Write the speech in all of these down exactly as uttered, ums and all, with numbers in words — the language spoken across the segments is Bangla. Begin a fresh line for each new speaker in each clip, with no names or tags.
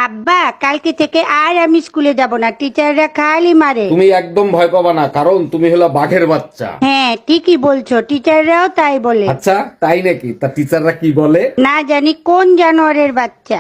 আব্বা কালকে থেকে আর আমি স্কুলে যাব না, টিচাররা খালি মারে।
তুমি একদম ভয় পাবা না, কারণ তুমি হলো বাঘের বাচ্চা।
হ্যাঁ ঠিকই বলছো, টিচাররাও তাই বলে।
আচ্ছা তাই নাকি? তা টিচাররা কি বলে?
না জানি কোন জানোয়ারের বাচ্চা।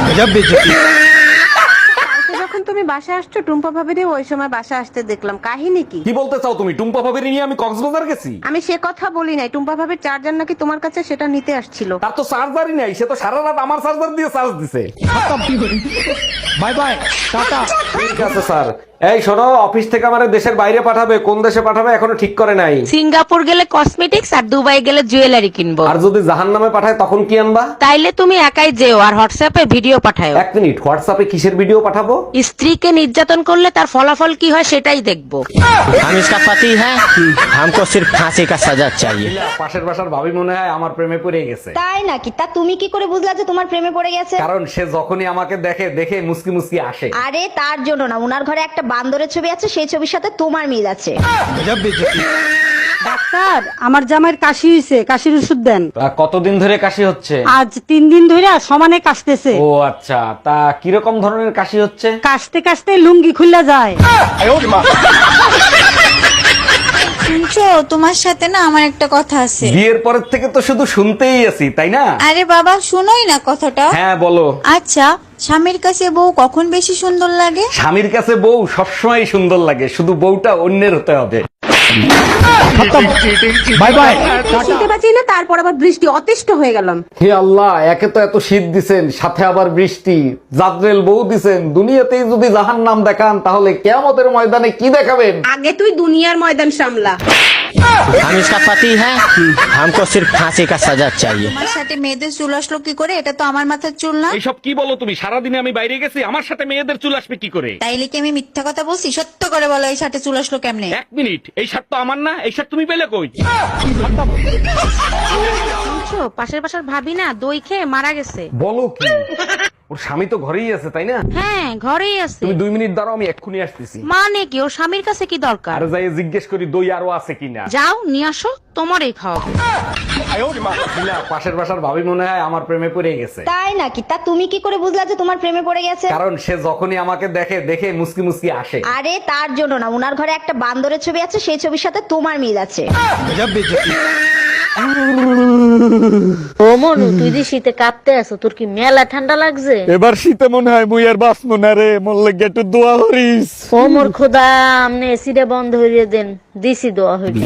যখন তুমি বাসা আসছো টুম্পা ভাবিরে ওই সময় বাসা আসতে দেখলাম, কাহিনী কি?
কি বলতে চাও তুমি? টুম্পা ভাবির নিয়ে আমি কক্সবাজার গেছি?
আমি সে কথা বলি নাই, টুম্পা ভাবির চার্জার নাকি তোমার কাছে, সেটা নিতে আসছিল।
তার তো চার্জারই নাই, সে তো সারা রাত আমার চার্জার দিয়ে চার্জ দিছে।
Bye bye tata.
ঠিক আছে স্যার। এই শোনো, অফিস থেকে আমার দেশের বাইরে পাঠাবে, কোন দেশে পাঠাবে এখনো ঠিক করে নাই।
সিঙ্গাপুর গেলে কসমেটিক্স আর দুবাই গেলে জুয়েলারি কিনবো।
আর যদি জাহান্নামে পাঠায় তখন কি আনবা?
তাইলে তুমি একাই যেও আর হোয়াটসঅ্যাপে ভিডিও পাঠাও।
এক মিনিট, হোয়াটসঅ্যাপে কিসের ভিডিও পাঠাবো?
স্ত্রীকে নির্যাতন করলে তার ফলাফল কি হয় সেটাই দেখবো।
हम इसका पति है, हमको सिर्फ फांसी का सजा चाहिए।
পাশের বাসার ভাবি মনে হয় আমার প্রেমে পড়ে গেছে।
তাই নাকি? তা তুমি কি করে বুঝলা যে তোমার প্রেমে পড়ে গেছে?
কারণ সে যখনই আমাকে দেখে দেখে মুসকি মুসকি আসে।
আরে তার জন্য না, উনার ঘরে একটা বান্দরের ছবি আছে, সেই ছবির সাথে তোমার মিল আছে।
ডাক্তার আমার জামাইয়ের কাশি হইছে, কাশির ওষুধ দেন।
তা কতদিন ধরে কাশি হচ্ছে?
আজ তিন দিন ধরে সমানে কাশতেছে।
ও আচ্ছা, তা কিরকম ধরনের কাশি হচ্ছে?
কাশতে কাশতে লুঙ্গি খুললা যায়।
শুনছো, তোমার সাথে না আমার একটা কথা আছে।
বিয়ের পরের থেকে তো শুধু শুনতেই আছি, তাই না?
আরে বাবা শুনোই না কথাটা।
হ্যাঁ বলো।
আচ্ছা, স্বামীর কাছে বউ কখন বেশি সুন্দর লাগে?
স্বামীর কাছে বউ সবসময় সুন্দর লাগে, শুধু বউটা অন্যের হতে হবে।
Bye bye.
শীতে বাঁচি না, তারপর আবার বৃষ্টি, অতিষ্ঠ হয়ে গেলাম।
হে আল্লাহ, একে তো এত শীত দিছেন, সাথে আবার বৃষ্টি, জাদ্রেল বউ দিছেন। দুনিয়াতেই যদি জাহান্নাম দেখান তাহলে কিয়ামতের ময়দানে কি দেখাবেন?
আগে তুই দুনিয়ার ময়দান সামলা।
हम इसका पति है, हमको सिर्फ फांसी का सजा चाहिए।
তোমার সাথে মেয়েদের চুল আসলো কি করে? এটা তো আমার মাথার চুল না।
এইসব কি বলো তুমি? সারাদিনে আমি বাইরে গেছি, আমার সাথে মেয়েদের চুল আসবে কি করে?
তাইলে কি আমি মিথ্যা কথা বলছি? সত্য করে বলো, এই সাথে চুল আসলো কেমনে?
এক মিনিট, এই শার্ট তো আমার না, এই শার্ট তুমি পেলে কই?
শুনছো, পাশের বাসার ভাবি না দই খেয়ে মারা গেছে।
বলো কি? ওর স্বামী তো ঘরেই আছে, তাই না?
হ্যাঁ ঘরেই আছে।
তুমি দুই মিনিট দাঁড়াও, আমি এক্ষুনি আসতেছি।
মানে কি, ওর স্বামীর কাছে কি দরকার?
আর যাই জিজ্ঞেস করি দই আরো আছে কিনা।
যাও নিয়ে আসো, তোমারই খাওয়াবো।
শিলা, পাশের বাসার ভাবি মনে হয় আমার প্রেমে পড়ে গেছে।
তাই নাকি? তা তুমি কি করে বুঝলা যে তোমার প্রেমে পড়ে গেছে?
কারণ সে যখনই আমাকে দেখে দেখে মুসকি মুসকি আসে।
আরে তার জন্য না, উনার ঘরে একটা বান্দরের ছবি আছে, সেই ছবির সাথে তোমার মিল আছে।
ও মনু, তুই যে শীতে কাঁপতে আছো, তোর কি মেলা ঠান্ডা লাগছে?
এবার শীতে মনে হয় মুই আর বাঁচবো না রে, মোর লাগে একটু দোয়া করিস।
ও মোর খোদা, আমনে এসিটা বন্ধ হইয়ে দেন, দিছি দোয়া হইবে।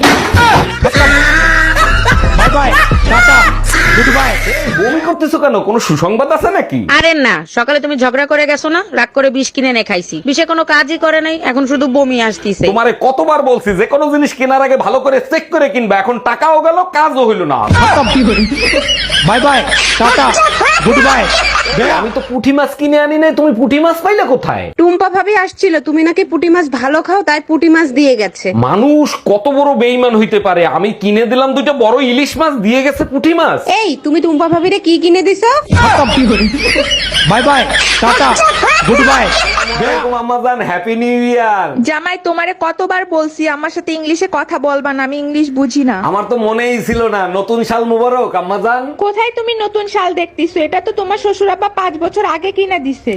Bye bye tata good bye.
বমি করতেছো কেন? কোনো সুসংবাদ আছে নাকি?
আরে না, সকালে তুমি ঝগড়া করে গেছো না, রাগ করে বিষ কিনে এনে খাইছি, বিষে কোনো কাজই করে নাই, এখন শুধু বমি আসতিছে।
তোমারে কতবার বলছি যে কোনো জিনিস কেনার আগে ভালো করে চেক করে কিনবা, এখন টাকাও গেল কাজও হইল না।
Bye bye tata good bye.
আমি তো পুঁটি মাছ কিনে আনি নাই, তুমি পুঁটি মাছ পাইলে কোথায়?
টুম্পা ভাবি আসছিল, তুমি নাকি পুঁটি মাছ ভালো খাও, তাই পুঁটি মাছ দিয়ে গেছে।
মানুষ কত বড় বেইমান হইতে পারে! আমি কিনে দিলাম দুইটা বড় ইলিশ মাছ, দিয়ে গেছে পুঁটি মাছ।
এই তুমি টুম্পা ভাবিরে কি কিনে দিছো?
Bye bye tata good bye.
আম্মাজান, হ্যাপি নিউ ইয়ার।
জামাই তোমারে কতবার বলছি আমার সাথে ইংলিশে কথা বলবা না, আমি ইংলিশ বুঝি না।
আমার তো মনেই ছিল না। নতুন সাল মুবারক আম্মাজান।
কোথায় তুমি নতুন শাল দেখতেছো? এটা তো তোমার শ্বশুর আব্বা পাঁচ বছর আগে কিনা দিছে।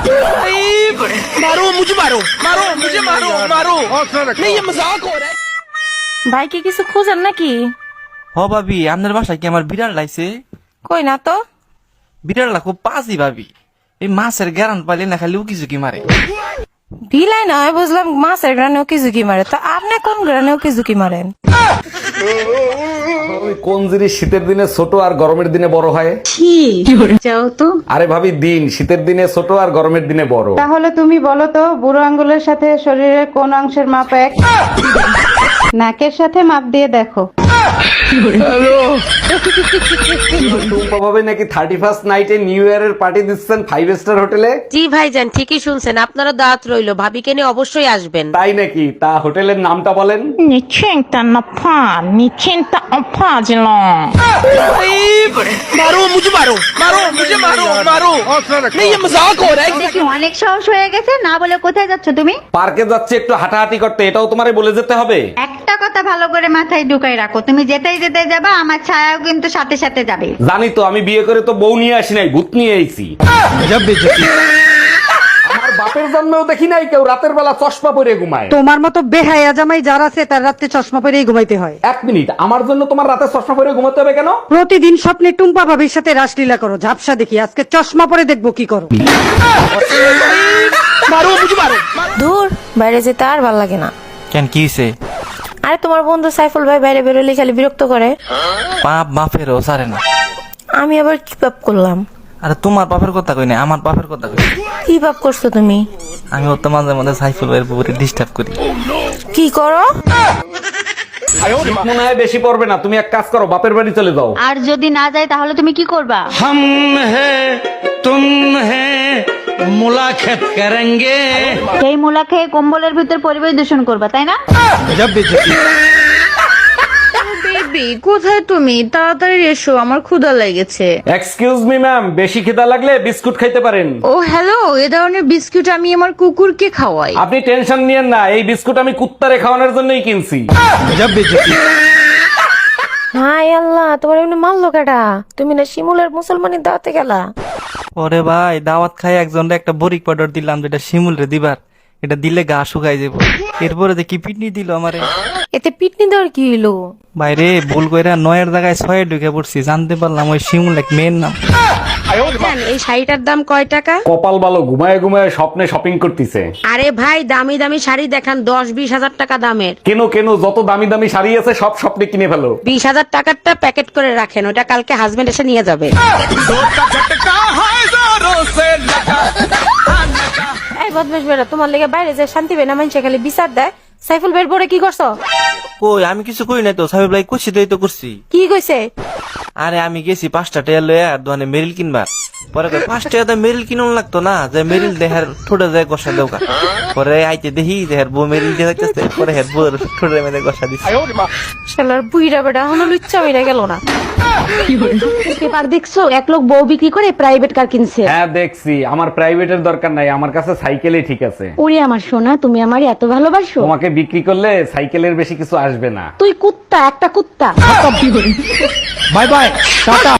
मारो मुझे मारो मारो मुझे मारो मारो नहीं ये मजाक हो रहा है।
ভাই কি কিছু খোঁজেন নাকি?
হ ভাবি, আপনার বাসায় কি আমার বিড়াল লাইছে?
কই না তো।
বিড়াল খুব পাজি ভাবি, এই মাছের গ্যারান পাইলে না খালি উকি ঝুঁকি মারে।
বিলাই নয়, বুঝলাম মাছের গ্রানে ওকে ঝুঁকি মারে, তো আপনি কোন গ্রানে ওকে ঝুঁকি মারেন?
ওই কোন জিনিস শীতের দিনে ছোট আর গরমের দিনে বড় হয়?
যাও তো।
আরে ভাবি, দিন শীতের দিনে ছোট আর গরমের দিনে বড়।
তাহলে তুমি বলো তো, বুড়ো আঙ্গুলের সাথে শরীরের কোন অংশের মাপ এক? নাকের সাথে মাপ দিয়ে দেখো।
টুম্পা ভাবি নাকি থার্টি ফার্স্ট নাইটে নিউ ইয়ারের পার্টি দিচ্ছেন ফাইভ স্টার হোটেলে।
জি ভাইজান, ঠিকই শুনছেন, আপনারা দাঁত রইলো, ভাবিকে নিয়ে অবশ্যই আসবেন।
তাই নাকি? তা হোটেলের নামটা বলেন।
मारो मुझे मारो मारो मुझे मारो मारो नहीं ये मजाक हो रहा है।
দেখি অনেক সাহস হয়ে গেছে, না বলে কোথায় যাচ্ছ তুমি?
পার্কে যাচ্ছে একটু হাঁটাহাঁটি করতে, এটাও তোমারে বলে যেতে হবে?
একটা কথা ভালো করে মাথায় ঢুকাই রাখো, তুমি যেতেই যেতে যাবা, আমার ছায়াও কিন্তু সাথে সাথে যাবে।
জানি তো, আমি বিয়ে করে তো বউ নিয়ে আসি নাই, ভূত নিয়ে আইছি। বাপের জন্মেও দেখি নাই কেউ রাতের বেলা চশমা পরে ঘুমায়।
তোমার মতো বেহায়া জামাই যার আছে তার রাতে চশমা পরেই ঘুমাইতে হয়।
এক মিনিট, আমার জন্য তোমার রাতে চশমা পরে ঘুমাতে হবে কেন?
প্রতিদিন স্বপ্নে টুম্পা ভাবির সাথে রাসলীলা করো, ঝাপসা দেখি, আজকে চশমা পরে দেখবো কি করো।
দূর বাইরে যেতে আর ভাল লাগে না।
কেন কি হইছে?
আরে তোমার বন্ধু সাইফুল ভাই বাইরে বেরোলে খালি বিরক্ত করে।
পাপ বাপেরও সারে না।
আমি আবার কি পাপ করলাম?
আরে তোমার বাপের কথা কই না, আমার বাপের কথা কই।
কি পাপ করছো তুমি?
আমি ওর তো মাঝে মাঝে সাইফুল ভাইয়ের পুকুরে ডিস্টার্ব করি।
কি করো?
মনে হয় বেশি পড়বে না, তুমি এক কাজ করো, বাপের বাড়ি চলে যাও।
আর যদি না যায় তাহলে তুমি কি করবা?
हम हैं तुम हैं मुलाकात करेंगे।
সেই মুলা খেয়ে কম্বলের ভিতর পরিবেশ দূষণ করবা, তাই না?
বেবি কোথায় তুমি? তাড়াতাড়ি এসো, আমার ক্ষুধা লেগেছে।
এক্সকিউজ মি ম্যাম, বেশি খিদা লাগলে বিস্কুট খাইতে পারেন।
ও হ্যালো, এ ধরনের বিস্কুট আমি আমার কুকুরকে খাওয়াই।
আপনি টেনশন নিয়েন না, এই বিস্কুট আমি কুত্তারে খাওয়ানোর জন্যই কিনছি।
হাই আল্লাহ, তোমার এমনি মারলো কেডা? তুমি না শিমুলের মুসলমানের দাওয়াতে গেলা?
ওরে ভাই, দাওয়াত খাই একজনের একটা বরিক পাউডার দিলাম, যেটা শিমুল রে দিবার, এটা দিলে গা শুকাই যাবো। এরপরে দেখি পিটনি দিল আমারে।
এতে পিটনি দেওয়ার কি হইলো?
বাইরে ভুল কইরা নয়ের জায়গায় ছয়ে ঢুকে পড়ছি, জানতে পারলাম ওই শিমুল এক মেয়ের নাম।
এই শাড়িটার দাম কয় টাকা?
কপাল ভালো, ঘুমায় ঘুমায় স্বপ্নে শপিং করতেছে।
আরে ভাই, দামি দামি শাড়ি দেখান, দশ বিশ হাজার টাকা দামের।
কেন কেন, যত দামি দামি শাড়ি আছে সব স্বপ্নে কিনে ফেলো।
বিশ হাজার টাকারটা প্যাকেট করে রাখেন, ওটা কালকে হাজবেন্ড এসে নিয়ে যাবে।
এই বদমাশ বেড়া, তোমার লেগে বাইরে যে শান্তি বেনা মানুষে খালি বিচার দেয়। সাইফুল ভাইয়ের পরে কি করছো?
কই আমি কিছু কই নাই তো, সাহেব ভাই করছি তো, এই তো করছি।
কি কইছে?
আরে আমি গেছি পাঁচটা টাকা লয়ে আর দোকানে মেরিল কিনবার। পরে কই পাঁচ টাকা তো মেরিল কিনুন লাগতো না, যে মেরিল দেহার ঠোঁটে যায় গসা দেওকা। পরে আইতে দেখি দেহার বউ মেরিল দিয়ে যাইতেছে, পরে হের বউর ঠোঁটে মেরে গসা দিচ্ছে।
শালার বুইরা বেটা এখনো লুচ্চা মেরা গেল না।
পেপার দেখছো, এক লোক বউ বিক্রি করে প্রাইভেট কার কিনছে।
হ্যাঁ দেখছি, আমার প্রাইভেটের দরকার নাই, আমার কাছে সাইকেলই ঠিক আছে।
ওরে আমার সোনা, তুমি আমার এত ভালোবাসো।
তোমাকে বিক্রি করলে সাইকেলের বেশি কিছু আসবে না।
তুই কুত্তা, একটা কুত্তা।
Bye bye Tata.